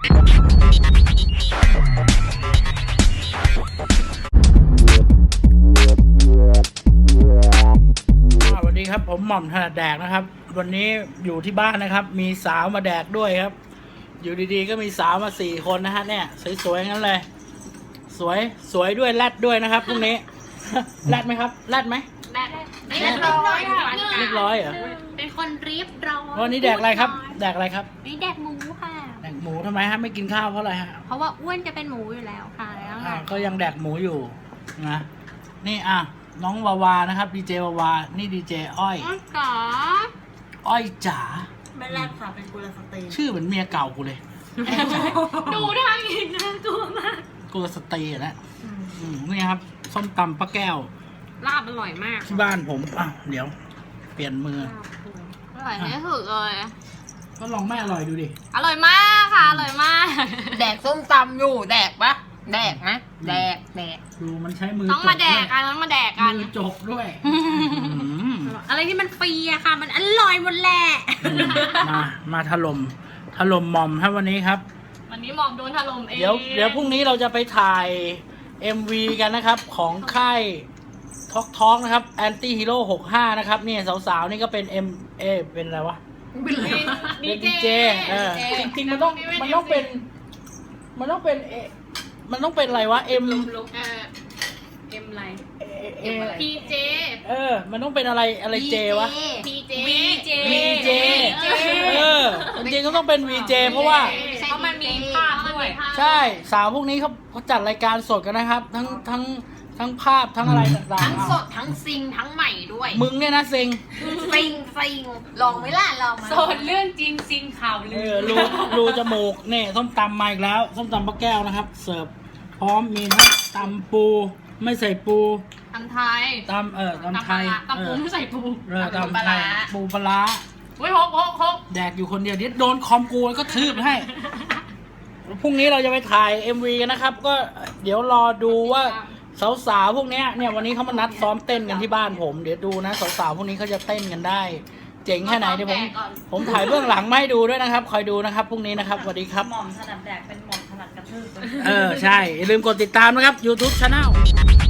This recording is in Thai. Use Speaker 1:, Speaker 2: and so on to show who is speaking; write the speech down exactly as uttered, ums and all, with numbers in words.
Speaker 1: สวัสดีครับผมหม่อมถนัดแดกนะครับวันนี้อยู่ที่บ้านนะครับมีสาวมาแดกด้วยครับอยู่ดีๆก็มีสาวมาสี่คนนะฮะเนี่ยสวยๆงั้นเลยสวยสวยด้วยแรดด้วยนะครับพรุ่งนี้ แรดไหมครับแรดไหม
Speaker 2: แดกเรียบร้อยค่ะ
Speaker 1: เรียบร้อยเหรอ
Speaker 2: เป็นคนเรียบร้อย
Speaker 1: วันนี้แดกอะไรครับแดกอะไรครับ
Speaker 2: นี่แดกหมูค่ะ
Speaker 1: แดกหมูทำไมฮะไม่กินข้าวเพราะอะไรฮะ
Speaker 2: เพราะว่าอ้วนจะเป็นหมูอยู่แล้วค่ะแล้ว
Speaker 1: อ่าก็ยังแดกหมูอยู่นะนี่อ่ะน้องวาวานะครับดีเจวาวานี่ดีเจอ้อย
Speaker 2: จ๋า
Speaker 1: อ้อยจ๋า
Speaker 3: ไม่แรกค่ะเป็นกุลสตรี
Speaker 1: ชื่อเหมือนเมียเก่ากูเลย
Speaker 2: ดูทางอีกนะตัวมาก
Speaker 1: กูสตรีนะอืมนี่ครับส้มตำป้าแก้ว
Speaker 2: ลาบอร่อยมาก
Speaker 1: ที่บ้านผมอ่ะเดี๋ยว เปลี่ยนมือ
Speaker 2: อร่อยที่สุดเลย
Speaker 1: ก็ลองไม่อร่อยดูดิ
Speaker 2: อร่อยมากค่ะอร่อยมาก
Speaker 3: แดกส้มตำอยู่แดกปะแดกนะแดกแดก
Speaker 1: ดูมันใช้มือ
Speaker 2: ต้องมาแดกกันต้องมาแดกกัน
Speaker 1: มือจกด้วยอืม
Speaker 2: อะไรที่มันฟรีอะค่ะ มันอร่อยหมดแหละ
Speaker 1: มามาถล่มถล่มหม่อมครับวันนี้ครับ
Speaker 2: วันนี้หมอมโดนถล่มเอง
Speaker 1: เดี๋ยวเดี๋ยวพรุ่งนี้เราจะไปถ่าย เอ็ม วี กันนะครับ ของค่ายท็อกท็อกนะครับแอนตี้ฮีโร่หกห้านะครับนี่สาวๆนี่ก็เป็น M เอเป็นอะไรวะ
Speaker 3: เป็นไร
Speaker 1: เป็นดีเจเออจริงๆมันต้องมันต้องเป็น มันต้องเป็นเอมันต้องเป็นอะไรวะ M
Speaker 2: ลุกเออเอ็มอะไร
Speaker 1: เอเอ
Speaker 2: พีเจ
Speaker 1: เออ มันต้องเป็นอะไรอะไรเจวะ
Speaker 2: พีเจวีเจ
Speaker 1: วีเจ เออจริงๆก็ต้องเป็น วี เจ เพราะว่า
Speaker 2: เพราะมันมีภาพด้วย
Speaker 1: ใช่สาวพวกนี้เขาเขาจัดรายการสดกันนะครับ ทั้งทั้งทั้งภาพทั้งอะไรต่าง
Speaker 3: ทั้ง
Speaker 1: ๆ
Speaker 3: สดทั้งซิงทั้งใหม่ด้วย
Speaker 1: มึงเนี่ยนะเซ็ง
Speaker 3: ซิงซิงลองไหมล่ะลองมา
Speaker 2: โซนเรื่องจริงจริงข่าว
Speaker 1: เอ
Speaker 2: ลื
Speaker 1: อ
Speaker 2: อ
Speaker 1: รูรูจมูกเนี่ยส้มตำมาอีกแล้วส้มตำป้าแก้วนะครับ เสิร์ฟพร้อมมีทั้งตำปูไม่ใส่ปู
Speaker 2: ตำไทย
Speaker 1: ตำเออตำไทย
Speaker 2: ตำปูไม่ใส่ปู
Speaker 1: เออตำไทยปูปลาร้า
Speaker 2: เฮ้ยฮกฮกฮก
Speaker 1: แดกอยู่คนเดียวเดี๋ยวโดนคอมกูแล้วก็ทืบให้พรุ่งนี้เราจะไปถ่าย เอ็ม วี กันนะครับ ก็เดี๋ยวรอดูว่าสาวๆพวกเนี้ยเนี่ยวันนี้เขามานัดซ้อมเต้นกันที่บ้านผมเดี๋ยวดูนะสาวๆพวกนี้เขาจะเต้นกันได้ เจ๋งแค่ไหนเดี๋ยวผมผมถ่ายเบื้องหลังมาให้ดูด้วยนะครับคอยดูนะครับพรุ่งนี้นะครับสวัสดีครับ
Speaker 3: หม่อมถนัดแดกเป็นหม่อมถนัดกระทืบ
Speaker 1: เออใช่อย่าลืมกดติดตามนะครับ YouTube Channel